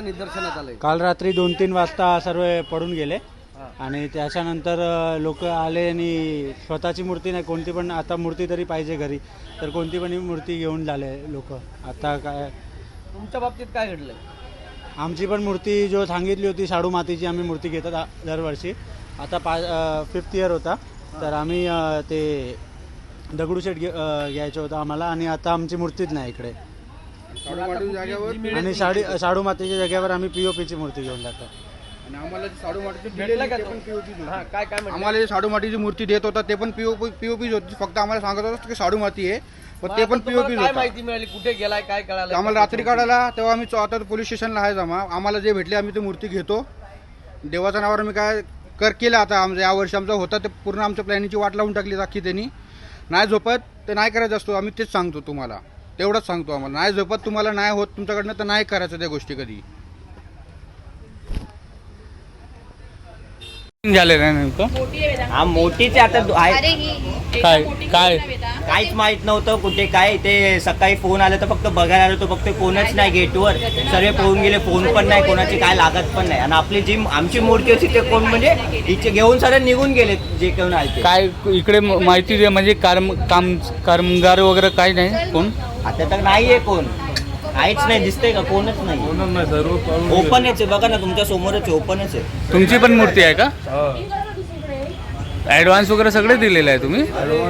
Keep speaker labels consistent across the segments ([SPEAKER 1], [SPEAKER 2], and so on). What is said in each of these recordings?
[SPEAKER 1] निदर्शनात आलंय?
[SPEAKER 2] काल रात्री 2-3 वाजता सर्व पडून गेले आणि त्याच्यानंतर लोक आले आणि स्वतःची मूर्ती नाही, कोणती पण आता मूर्ती तरी पाहिजे घरी, तर कोणती पण मूर्ती घेऊन झाले लोक. आता काय
[SPEAKER 1] तुमच्या बाबतीत काय घडलंय?
[SPEAKER 2] आमची पण मूर्ती जो सांगितली होती शाडू मातीची आम्ही मूर्ती घेतात दरवर्षी. आता 5th इयर होता, तर आम्ही ते दगडूशेठ घ्यायचं होतं आम्हाला आणि आता आमची मूर्तीच नाही इकडे. आणि शाडू मातीच्या जागेवर आम्ही POPची मूर्ती घेऊन जातो.
[SPEAKER 3] आणि आम्हाला शाडू मातीची
[SPEAKER 1] आम्हाला
[SPEAKER 3] शाडू मातीची मूर्ती देत होता, ते पण पीओपीच होती. फक्त आम्हाला सांगत होतं की शाडू माती आहे, पण ते पण पीओपीच
[SPEAKER 1] काय
[SPEAKER 3] होतं.
[SPEAKER 1] माहिती मिळाली, कुठे गेलाय, काय कळालं?
[SPEAKER 3] आम्हाला रात्री काढायला तेव्हा आम्ही आता पोलीस स्टेशनला आहे जमा. आम्हाला जे भेटले आम्ही ती मूर्ती घेतो. देवाच्या नावावर आम्ही काय केलं. आता आमचं यावर्षी आमचा होता ते पूर्ण आमच्या प्लॅनिंगची वाट लावून टाकली अख्खी त्यांनी. नाही झोपत ते नाही करायचं असतो, आम्ही तेच सांगतो तुम्हाला, तेवढंच सांगतो. आम्हाला नाही झोपत, तुम्हाला नाही होत तुमच्याकडनं, तर नाही करायचं त्या गोष्टी कधी.
[SPEAKER 4] झालेलं आहे नेमकं?
[SPEAKER 5] हा मोठीच आता
[SPEAKER 4] काय काय
[SPEAKER 5] काहीच माहित नव्हतं कुठे काय. ते सकाळी फोन आला तर फक्त बघायला आलो, तो फक्त कोणच नाही गेटवर. सर्व पळून गेले, फोन पण नाही, कोणाची काय लागत पण नाही. आणि आपली जी आमची मूर्ती होती ते कोण म्हणजे इथे घेऊन सर्व निघून गेले जे कोण आले.
[SPEAKER 4] काय इकडे माहिती दे, म्हणजे कामगार वगैरे काय नाही कोण?
[SPEAKER 5] आता तर नाहीये कोण, काहीच नाही दिसतंय का, कोणच नाही. ओपनच आहे बघा ना, तुमच्या समोरच ओपनच आहे.
[SPEAKER 4] तुमची पण मूर्ती आहे का? ऍडव्हान्स वगैरे सगळे दिलेले आहे तुम्ही?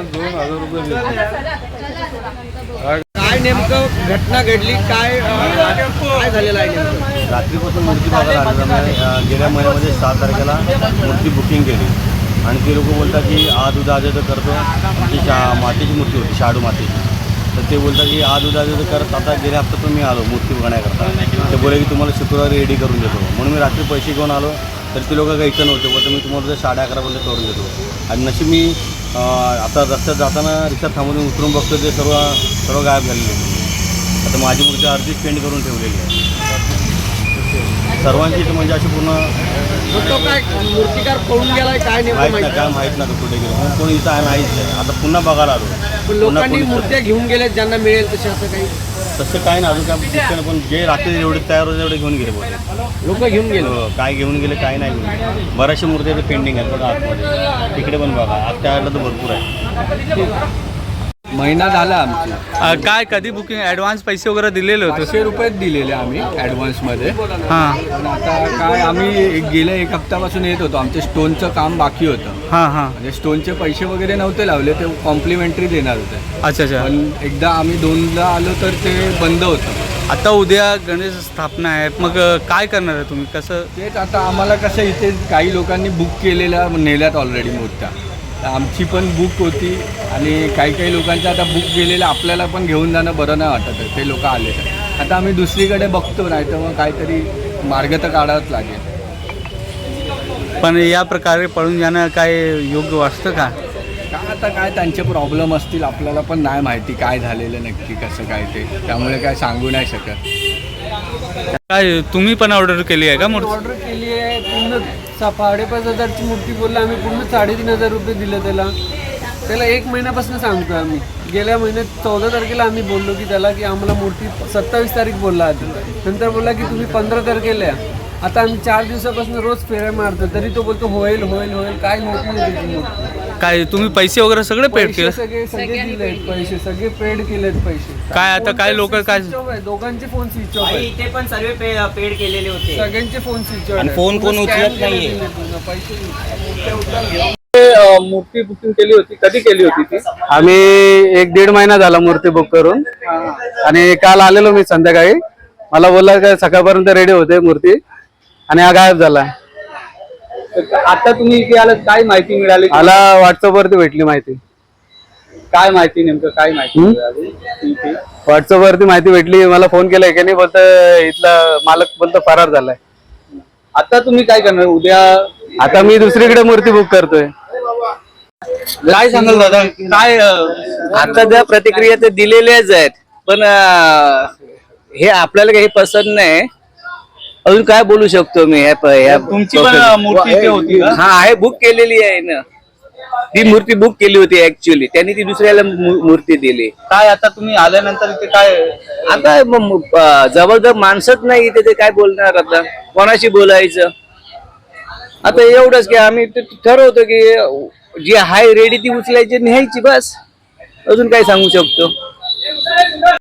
[SPEAKER 1] काय नेमकं घटना घडली, काय काय झालेलं आहे नेमकं?
[SPEAKER 6] रात्रीपासून मूर्ती बघायला आली. गेल्या महिन्यामध्ये 7 तारखेला मूर्ती बुकिंग केली आणि ते लोक बोलतात की आज उद्या आज करतो. ती मातीची मूर्ती होती, शाडू मातीची. तर ते बोलतात की आज उद्या आज करत. आता गेल्या हप्त्यातून मी आलो मूर्ती बघण्याकरता. ते बोले की तुम्हाला शुक्रवारी रेडी करून देतो. म्हणून मी रात्री पैसे घेऊन आलो, तर ते लोक काही इथं नव्हते. बोलतो मी तुम्हाला 11:30 पर्यंत करून देतो. आणि नशीब मी आता रस्त्यात जाताना रिक्षा थांबून उतरून बघतो ते सर्व गायब झालेले. आता माझी मूर्ती अर्धीच पेंट करून ठेवलेली आहे. सर्वांची इथं म्हणजे अशी पूर्ण
[SPEAKER 1] काय मूर्तिकार पळून गेलाय, काय नेमकं
[SPEAKER 6] माहीत नाही, काय माहीत नाही कुठे गेलो. कोणी इथं आहे नाहीच आहे. आता पुन्हा बघायला आलो.
[SPEAKER 1] पण लोकांनी मूर्त्या घेऊन गेल्या ज्यांना मिळेल तसे, असं काही
[SPEAKER 6] तसं काय नाही अजून काय. पण जे रात्री एवढे तयार होते तेवढे घेऊन गेले बोलले.
[SPEAKER 1] लोक घेऊन गेले.
[SPEAKER 6] काय घेऊन गेले काय नाही घेऊन गेले. बऱ्याचशा मूर्त्या पेंडिंग आहेत बघा आतमध्ये. तिकडे पण बघा, आज त्यावेळेला तर भरपूर आहे.
[SPEAKER 7] महिना झाला आमची.
[SPEAKER 4] काय कधी बुकिंग ऍडव्हान्स पैसे वगैरे दिलेले होते?
[SPEAKER 7] 500 रुपये दिलेले आम्ही ॲडव्हान्समध्ये.
[SPEAKER 4] हां
[SPEAKER 7] पण आता काय, आम्ही गेल्या 1 हप्त्यापासून येत होतो. आमचे स्टोनचं काम बाकी होतं.
[SPEAKER 4] हां हां.
[SPEAKER 7] म्हणजे स्टोनचे पैसे वगैरे नव्हते लावले, ते कॉम्प्लिमेंटरी देणार होते.
[SPEAKER 4] अच्छा अच्छा.
[SPEAKER 7] पण एकदा आम्ही 2दा आलो तर ते बंद होतं.
[SPEAKER 4] आता उद्या गणेश स्थापना आहे, मग काय करणार आहे तुम्ही? कसं?
[SPEAKER 7] तेच आता आम्हाला कसं, इथे काही लोकांनी बुक केलेल्या नेल्यात ऑलरेडी मूर्त्या. तर आमची पण बुक होती आणि काही लोकांच्या आता बुक गेलेल्या आपल्याला पण घेऊन जाणं बरं नाही वाटत आहे. ते लोक आले तर आता आम्ही दुसरीकडे बघतो, नाही तर मग काहीतरी मार्ग तर काढावाच लागेल.
[SPEAKER 4] पण या प्रकारे पळून जाणं काय योग्य वाटतं का?
[SPEAKER 7] आता काय त्यांचे प्रॉब्लेम असतील, आपल्याला पण नाही माहिती काय झालेलं नक्की कसं काय ते, त्यामुळे काय सांगू नाही शकत.
[SPEAKER 4] काय तुम्ही पण ऑर्डर केली आहे का मूर्ती?
[SPEAKER 8] ऑर्डर केली आहे. पूर्ण 5,500ची मूर्ती बोलला, आम्ही पूर्ण 3,500 रुपये दिले त्याला 1 महिन्यापासून सांगतो आम्ही. गेल्या महिन्यात 14 तारखेला आम्ही बोललो की त्याला की आम्हाला मूर्ती 27 तारीख बोलला आधी. नंतर बोलला की तुम्ही 15 तारखेला या. आता आम्ही 4 दिवसापासून रोज फेऱ्या मारतो, तरी तो बोलतो होईल होईल होईल. काय होत नाही त्याची मूर्ती.
[SPEAKER 4] काय तुम्ही पैसे वगैरे सगळे पेड केले?
[SPEAKER 8] सगळे दिलेत पैसे, सगळे पेड केलेत पैसे.
[SPEAKER 4] काय आता काय लोक काय?
[SPEAKER 8] दोघांचे फोन स्विच ऑफ
[SPEAKER 5] आणि इथे पण सर्व पेड केलेले होते.
[SPEAKER 8] सगळ्यांचे फोन स्विच ऑफ.
[SPEAKER 5] आणि फोन कोण उचलत नाहीये.
[SPEAKER 4] मूर्ती बुकिंग केली होती, कधी केली होती ती?
[SPEAKER 2] आम्ही 1-1.5 महिना झाला मूर्ती बुक करून. आणि काल आलेलो मी संध्याकाळी. मला बोलला काय सकाळपर्यंत रेडी होते मूर्ती, आणि हा गायब झाला.
[SPEAKER 4] आता तुम्ही इथे आलात, काय माहिती मिळाली?
[SPEAKER 2] मला व्हॉट्सअप वरती भेटली माहिती.
[SPEAKER 4] काय माहिती, नेमकं काय माहिती मिळाली?
[SPEAKER 2] व्हॉट्सअप वरती माहिती भेटली. मला फोन केलाय की नाही, बोलत इथला मालक बोलतो फरार झालाय.
[SPEAKER 4] आता तुम्ही काय करणार उद्या?
[SPEAKER 2] आता मी दुसरीकडे मूर्ती बुक करतोय.
[SPEAKER 4] काय सांगाल दादा? काय
[SPEAKER 9] आता त्या प्रतिक्रिया तर दिलेल्याच आहेत, पण हे आपल्याला काही पसंत नाही. अजून काय बोलू शकतो मी?
[SPEAKER 4] तुमची पण मूर्ती इथे होती का?
[SPEAKER 9] हा आहे, बुक केलेली आहे ना. ती मूर्ती बुक केली होती ऍक्च्युअली, त्यांनी ती दुसऱ्याला मूर्ती दिली.
[SPEAKER 4] काय आता तुम्ही आल्यानंतर इथे काय
[SPEAKER 9] आता जबरदस्त माणसंच नाही इथे, ते काय बोलणार आता, कोणाशी बोलायचं. आता एवढंच की आम्ही ठरवतो की जी हाय रेडी ती उचलायची न्यायची, बस. अजून काय सांगू शकतो.